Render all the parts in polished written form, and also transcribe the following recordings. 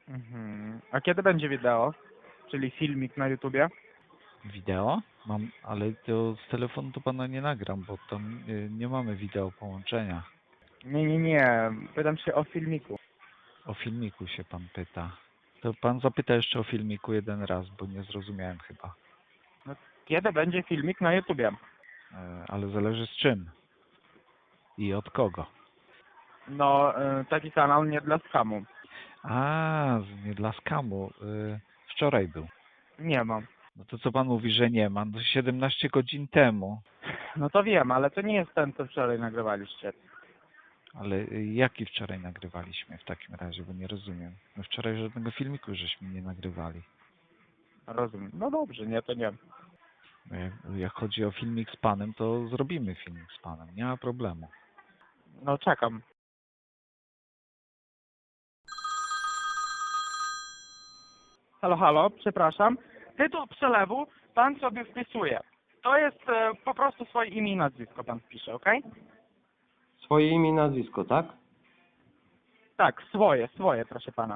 Mhm. A kiedy będzie wideo? Czyli filmik na YouTubie? Wideo? Mam, ale to z telefonu to pana nie nagram, bo tam nie mamy wideo połączenia. Nie, nie, nie. Pytam się o filmiku. O filmiku się pan pyta. To pan zapyta jeszcze o filmiku jeden raz, bo nie zrozumiałem chyba. No, kiedy będzie filmik na YouTubie? Ale zależy z czym i od kogo. No, taki kanał nie dla skamu. A, nie dla skamu. Wczoraj był. Nie mam. No to co pan mówi, że nie ma? No 17 godzin temu. No to wiem, ale to nie jest ten, co wczoraj nagrywaliście. Ale jaki wczoraj nagrywaliśmy w takim razie, bo nie rozumiem. My wczoraj żadnego filmiku żeśmy nie nagrywali. Rozumiem. No dobrze, nie, to nie. No jak chodzi o filmik z panem, to zrobimy filmik z panem. Nie ma problemu. No czekam. Halo, halo, przepraszam. Tytuł przelewu pan sobie wpisuje. To jest po prostu swoje imię i nazwisko pan wpisze, ok? Swoje imię i nazwisko, tak? Tak, swoje, proszę pana.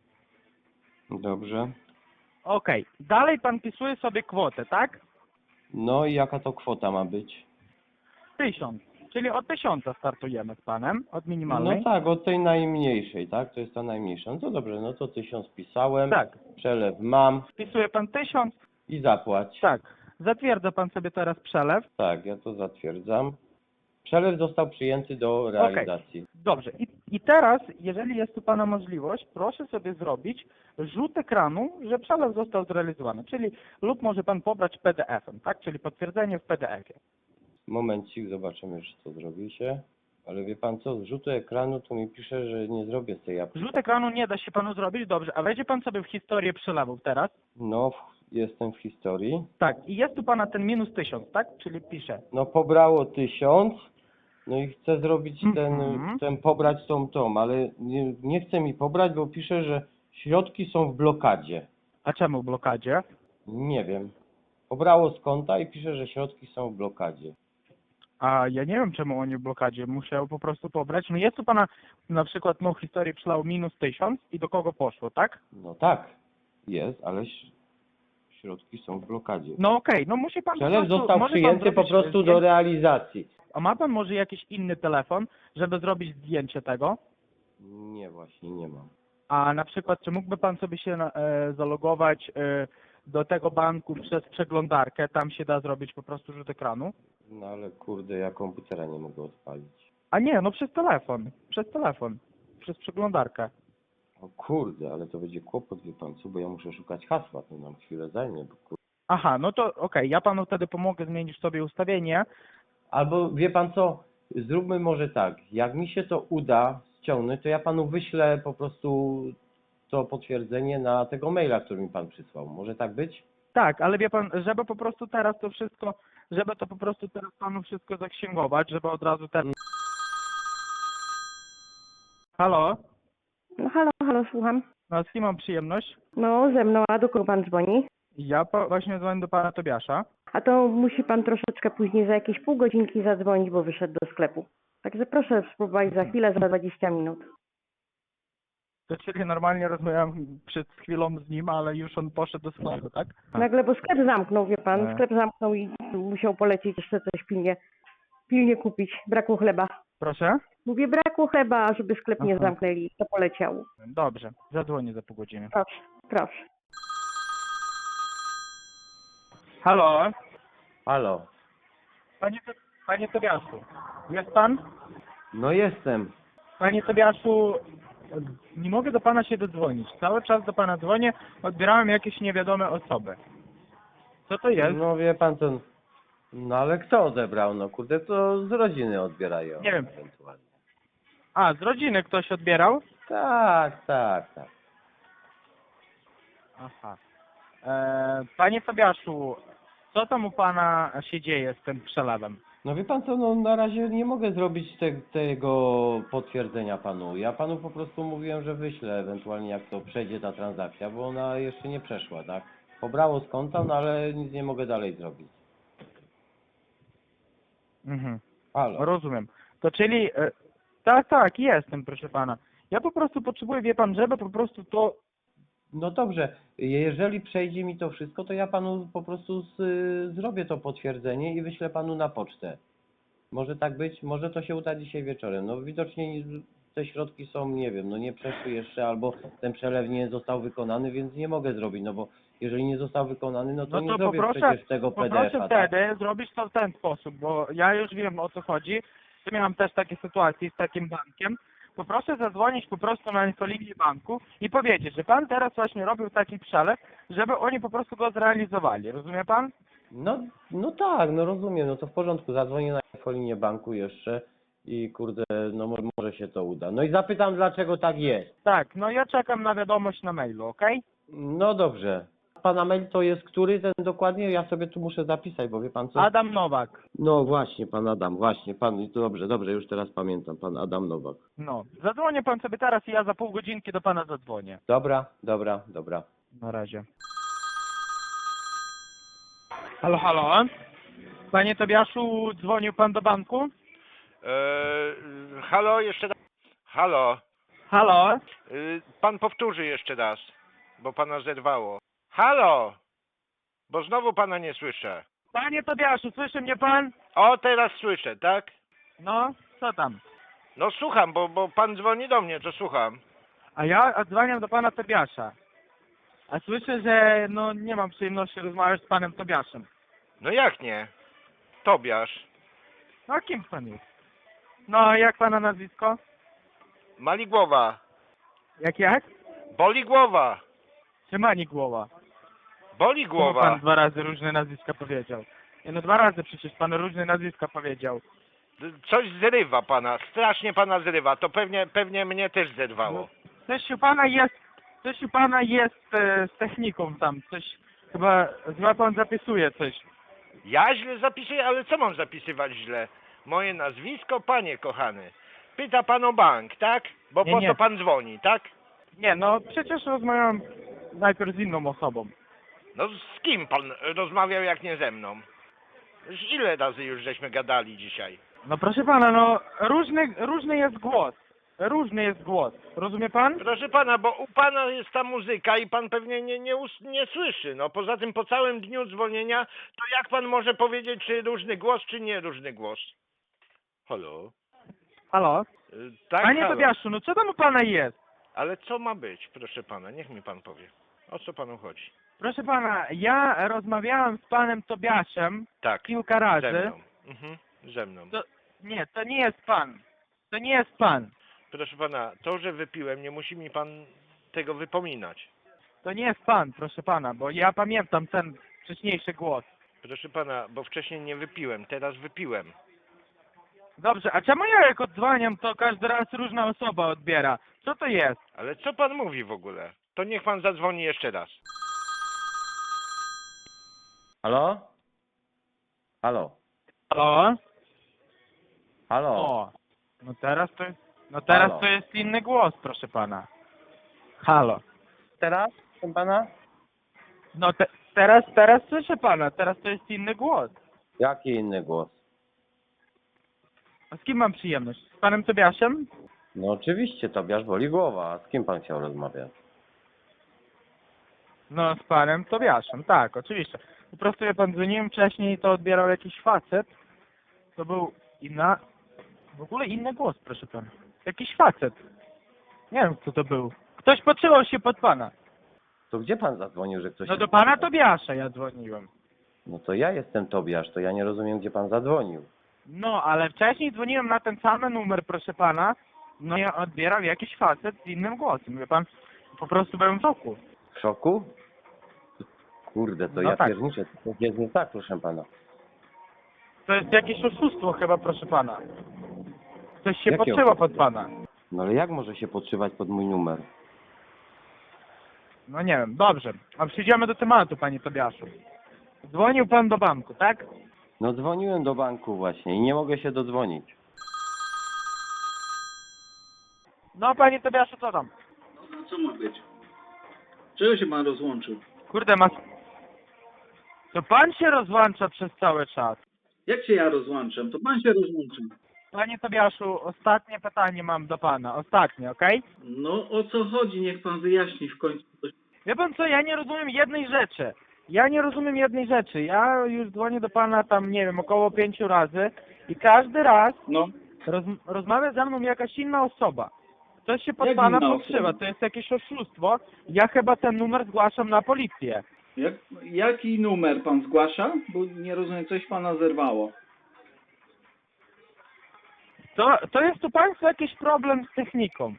Dobrze. Okej. Dalej pan wpisuje sobie kwotę, tak? No i jaka to kwota ma być? 1000. Czyli od 1000 startujemy z panem, od No minimalnej. tak, od tej najmniejszej, tak? To jest ta najmniejsza. No to dobrze, no to 1000 pisałem, Tak. przelew mam Wpisuje pan 1000. i zapłać. Tak. Zatwierdza pan sobie teraz przelew. Tak, ja to zatwierdzam. Przelew został przyjęty do realizacji. Dobrze. I teraz, jeżeli jest u pana możliwość, proszę sobie zrobić rzut ekranu, że przelew został zrealizowany. Czyli lub może pan pobrać PDF-em, tak? Czyli potwierdzenie w PDF-ie. Momencik, zobaczymy, czy to zrobi się. Ale wie pan co, z rzutu ekranu to mi pisze, że nie zrobię z tej aplikacji. Rzut ekranu nie da się panu zrobić, dobrze. A wejdzie pan sobie w historię przelewów teraz. No, jestem w historii. Tak. I jest u pana ten minus 1000, tak? Czyli pisze. No pobrało 1000, no i chcę zrobić Mhm. ten pobrać tą, ale nie chce mi pobrać, bo pisze, że środki są w blokadzie. A czemu w blokadzie? Nie wiem. Pobrało z konta i pisze, że środki są w blokadzie. A ja nie wiem, czemu oni w blokadzie. Musiał po prostu pobrać. No jest u pana na przykład no historii przelał minus 1000 i do kogo poszło, tak? No tak, jest, ale środki są w blokadzie. No okej, no musi pan po Przelew prostu, został może pan przyjęty po zrobić prostu do zdjęcie. realizacji. A ma pan może jakiś inny telefon, żeby zrobić zdjęcie tego? Nie, właśnie nie mam. A na przykład, czy mógłby pan sobie się zalogować do tego banku przez przeglądarkę? Tam się da zrobić po prostu rzut ekranu? No ale kurde, ja komputera nie mogę odpalić. A nie, no przez telefon. Przez telefon. Przez przeglądarkę. O kurde, ale to będzie kłopot, wie pan co, bo ja muszę szukać hasła, to nam chwilę zajmie, bo kurde. Aha, no to okej, ja panu wtedy pomogę, zmienisz sobie ustawienie. Albo wie pan co, zróbmy może tak, jak mi się to uda ściągnąć, to ja panu wyślę po prostu to potwierdzenie na tego maila, który mi pan przysłał. Może tak być? Tak, ale wie pan, żeby po prostu teraz to wszystko, żeby to po prostu teraz panu wszystko zaksięgować, żeby od razu teraz... Halo? No halo, halo, słucham. No z kim mam przyjemność? No ze mną, a do kogo pan dzwoni? Ja właśnie dzwonię do pana Tobiasza. A to musi pan troszeczkę później, za jakieś pół godzinki zadzwonić, bo wyszedł do sklepu. Także proszę spróbować za chwilę, za 20 minut. To czyli normalnie rozmawiałem przed chwilą z nim, ale już on poszedł do sklepu, tak? Nagle, bo sklep zamknął, wie pan, E. sklep zamknął i musiał polecieć jeszcze coś pilnie kupić. Brakło chleba. Proszę? Mówię, brakło chleba, żeby sklep nie Aha. zamknęli. To poleciało. Dobrze, zadzwonię za pół godziny. Proszę, proszę. Halo? Halo. Panie Tobiaszu, jest pan? No jestem. Panie Tobiaszu, nie mogę do pana się dodzwonić. Cały czas do pana dzwonię, odbierałem jakieś niewiadome osoby. Co to jest? No wie pan co, no ale kto odebrał? No kurde, to z rodziny odbierają. Nie wiem. Ewentualnie. A, z rodziny ktoś odbierał? Tak, tak, tak. Aha. Panie Tobiaszu, co tam u pana się dzieje z tym przelewem? No wie pan co, no na razie nie mogę zrobić tego potwierdzenia panu. Ja panu po prostu mówiłem, że wyślę ewentualnie jak to przejdzie ta transakcja, bo ona jeszcze nie przeszła, tak? Pobrało z konta, no ale nic nie mogę dalej zrobić. Mhm. Halo. Rozumiem. To czyli, tak, jestem, proszę pana. Ja po prostu potrzebuję, wie pan, żeby po prostu to No dobrze, jeżeli przejdzie mi to wszystko, to ja panu po prostu zrobię to potwierdzenie i wyślę panu na pocztę. Może tak być? Może to się uda dzisiaj wieczorem. No widocznie te środki są, nie wiem, no nie przeszły jeszcze, albo ten przelew nie został wykonany, więc nie mogę zrobić, no bo jeżeli nie został wykonany, no to No nie to zrobię poproszę, przecież tego poproszę PDF-a, tak? wtedy zrobić to w ten sposób, bo ja już wiem, o co chodzi. Ja miałem też takie sytuacje z takim bankiem. Poproszę zadzwonić po prostu na infolinię banku i powiedzieć, że pan teraz właśnie robił taki przelew, żeby oni po prostu go zrealizowali. Rozumie pan? No tak, no rozumiem, no to w porządku, zadzwonię na infolinię banku jeszcze i kurde, no może się to uda. No i zapytam, dlaczego tak jest. Tak, no ja czekam na wiadomość na mailu, okej? No dobrze. Pana mail to jest który ten dokładnie? Ja sobie tu muszę zapisać, bo wie pan co? Adam Nowak. No właśnie, pan Adam, właśnie, pan, dobrze, już teraz pamiętam, pan Adam Nowak. No, zadzwonię pan sobie teraz i ja za pół godzinki do pana zadzwonię. Dobra. Na razie. Halo, halo? Panie Tobiaszu, dzwonił pan do banku? Halo, jeszcze raz. Halo, Halo? pan powtórzy jeszcze raz, bo pana zerwało. Halo, bo znowu pana nie słyszę. Panie Tobiaszu, słyszy mnie pan? O, teraz słyszę, tak? No, co tam? No słucham, bo pan dzwoni do mnie, to słucham. A ja odzwaniam do pana Tobiasza. A słyszę, że no nie mam przyjemności rozmawiać z panem Tobiaszem. No jak nie? Tobiasz. No kim pan jest? No, jak pana nazwisko? Mali głowa. Jak? Boli głowa. Czy Mani Głowa? Boli Czemu głowa. pan 2 razy różne nazwiska powiedział? Ja no 2 razy przecież pan różne nazwiska powiedział. Coś zrywa pana, strasznie pana zrywa. To pewnie mnie też zerwało. Coś u pana jest z techniką tam, coś chyba pan zapisuje coś. Ja źle zapisuję, ale co mam zapisywać źle? Moje nazwisko, panie kochany. Pyta pan o bank, tak? Bo Nie, po nie. to pan dzwoni, tak? Nie, no przecież rozmawiałem najpierw z inną osobą. No z kim pan rozmawiał jak nie ze mną? Ile razy już żeśmy gadali dzisiaj? No proszę pana, no różny jest głos. Różny jest głos. Rozumie pan? Proszę pana, bo u pana jest ta muzyka i pan pewnie nie słyszy. No poza tym po całym dniu dzwonienia, to jak pan może powiedzieć, czy różny głos, czy nie różny głos? Halo? Halo? Tak, Panie halo. Tobiaszu, no co tam u pana jest? Ale co ma być, proszę pana? Niech mi pan powie. O co panu chodzi? Proszę pana, ja rozmawiałem z panem Tobiaszem Tak, kilka ze razy. mną. Ze mną. Nie, to nie jest pan. To nie jest pan. Proszę pana, to, że wypiłem, nie musi mi pan tego wypominać. To nie jest pan, proszę pana, bo ja pamiętam ten wcześniejszy głos. Proszę pana, bo wcześniej nie wypiłem, teraz wypiłem. Dobrze, a czemu ja jak odzwaniam, to każdy raz różna osoba odbiera? Co to jest? Ale co pan mówi w ogóle? To niech pan zadzwoni jeszcze raz. Halo? Halo? Halo? Halo? O, no teraz Halo. to jest inny głos, proszę pana. Halo. Teraz, proszę pana? No teraz słyszę pana, teraz to jest inny głos. Jaki inny głos? A z kim mam przyjemność? Z panem Tobiaszem? No oczywiście, Tobiasz boli głowa. A z kim pan chciał rozmawiać? No z panem Tobiaszem, tak, oczywiście. Po prostu ja pan dzwoniłem wcześniej, to odbierał jakiś facet. To był w ogóle inny głos, proszę pana. Jakiś facet. Nie wiem, kto to był. Ktoś podszywał się pod pana. To gdzie pan zadzwonił, że ktoś... No się do pana podszywał? Tobiasza ja dzwoniłem. No to ja jestem Tobiasz, to ja nie rozumiem, gdzie pan zadzwonił. No, ale wcześniej dzwoniłem na ten sam numer, proszę pana. No i odbierał jakiś facet z innym głosem. Wie pan, po prostu byłem w szoku. W szoku? Kurde, to No ja tak. pierniczę, to jest nie tak, proszę pana. To jest jakieś oszustwo chyba, proszę pana. Ktoś się Jakie podszyło oszustwo? pod pana. No ale jak może się podszywać pod mój numer? No nie wiem, dobrze. A przejdziemy do tematu, panie Tobiaszu. Dzwonił pan do banku, tak? No dzwoniłem do banku właśnie i nie mogę się dodzwonić. No panie Tobiaszu, co tam? No co ma być? Czego się pan rozłączył? Kurde, to pan się rozłącza przez cały czas. Jak się ja rozłączam? To pan się rozłączył. Panie Tobiaszu, ostatnie pytanie mam do pana. Ostatnie, okej? No o co chodzi? Niech pan wyjaśni w końcu coś. Wie pan co, ja nie rozumiem jednej rzeczy. Ja już dzwonię do pana tam, nie wiem, około 5 razy i każdy raz No, rozmawia ze mną jakaś inna osoba. Coś się pod Jak pana inna podszywa, osoba? to jest jakieś oszustwo. Ja chyba ten numer zgłaszam na policję. jaki numer pan zgłasza? Bo nie rozumiem, coś pana zerwało. To jest u państwa jakiś problem z techniką.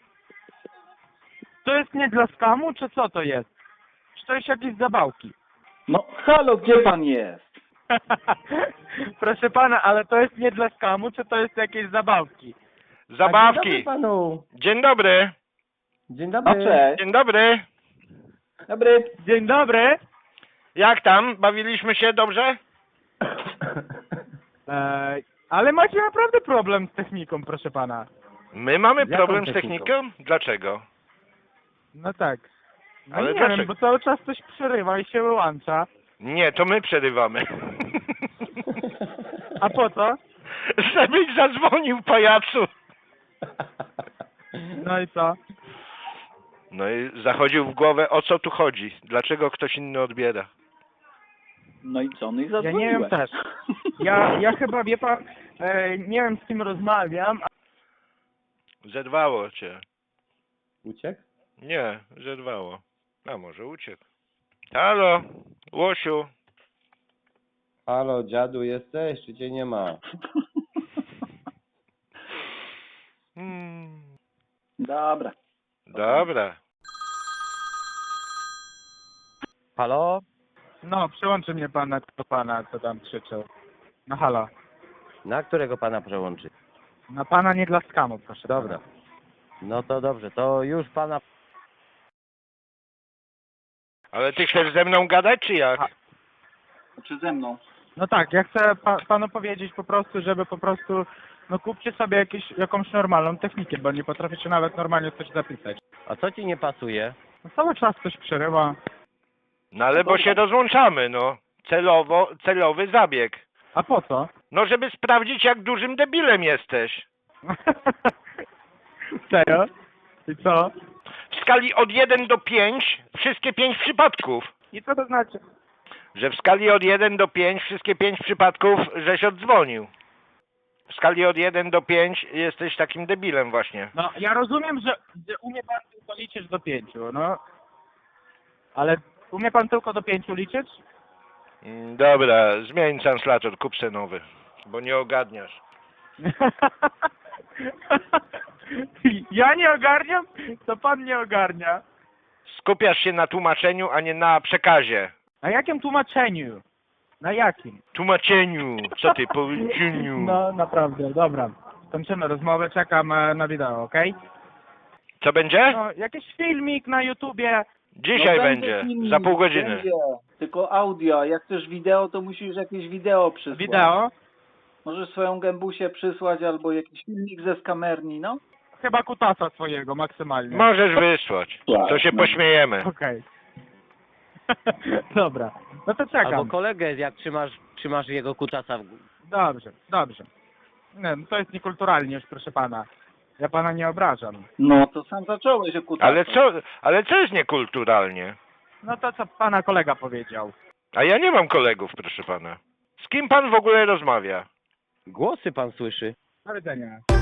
To jest nie dla skamu, czy co to jest? Czy to jest jakieś zabawki? No, halo, gdzie pan jest? Proszę pana, ale to jest nie dla skamu, czy to jest jakieś zabawki? A dzień Zabawki. dobry panu. Dzień dobry. Dzień No, dobry. cześć. Dzień dobry. Dobry. Dzień dobry. Jak tam? Bawiliśmy się dobrze? Ale macie naprawdę problem z techniką, proszę pana. My mamy Z jaką problem z techniką? techniką? Dlaczego? No tak. No Ale nie dlaczego? wiem, bo cały czas coś przerywa i się wyłącza. Nie, to my przerywamy. A po co? Żebyś zadzwonił, pajacu. No i co? No i zachodził w głowę, o co tu chodzi? Dlaczego ktoś inny odbiera? No i co? No i Ja zadzwoniłem. nie wiem też. Ja chyba, wie pan, nie wiem z kim rozmawiam. Zerwało cię. Uciekł? Nie, zerwało. A może uciekł. Halo, Łosiu. Halo, dziadu jesteś, czy cię nie ma? Hmm. Dobra. Dobra. Halo? No, przyłączy mnie pan do pana, co tam krzyczał. No halo. Na którego pana przełączy? Na pana nie dla skamu, proszę Dobra. pana. No to dobrze, to już pana... Ale ty chcesz ze mną gadać, czy jak? Czy ze mną? No tak, ja chcę panu powiedzieć po prostu, żeby po prostu, no kupcie sobie jakąś normalną technikę, bo nie potraficie nawet normalnie coś zapisać. A co ci nie pasuje? No cały czas coś przerywa. No ale bo się rozłączamy, no. Celowy zabieg. A po co? No żeby sprawdzić, jak dużym debilem jesteś. Serio? I co? W skali od 1 do 5, wszystkie 5 przypadków. I co to znaczy? Że w skali od 1 do 5, wszystkie 5 przypadków, żeś oddzwonił. W skali od 1 do 5 jesteś takim debilem właśnie. No, ja rozumiem, że umie pan tylko liczyć do 5, no. Ale umie pan tylko do 5 liczyć? Dobra, zmień translator, kup se nowy, bo nie ogarniasz. Ja nie ogarniam? To pan nie ogarnia. Skupiasz się na tłumaczeniu, a nie na przekazie. Na jakim tłumaczeniu? Na jakim? Tłumaczeniu, co ty powiedzieniu. No, naprawdę, dobra. Kończymy rozmowę, czekam na wideo, okej? Co będzie? No, jakiś filmik na YouTubie. Dzisiaj No będzie, filmik, za pół godziny. Będzie. Tylko audio, a jak chcesz wideo, to musisz jakieś wideo przysłać. Wideo. Możesz swoją gębusię przysłać albo jakiś filmik ze skamerni, no. Chyba kutasa swojego maksymalnie. Możesz wysłać, to się No. pośmiejemy. Okej. Dobra, no to czekam. Albo kolegę, jak trzymasz jego kutasa w... Dobrze, dobrze. Nie, no to jest niekulturalnie już, proszę pana. Ja pana nie obrażam. No to sam zacząłeś o kutasie. Ale co jest niekulturalnie? No to co pana kolega powiedział. A ja nie mam kolegów, proszę pana. Z kim pan w ogóle rozmawia? Głosy pan słyszy? Do widzenia.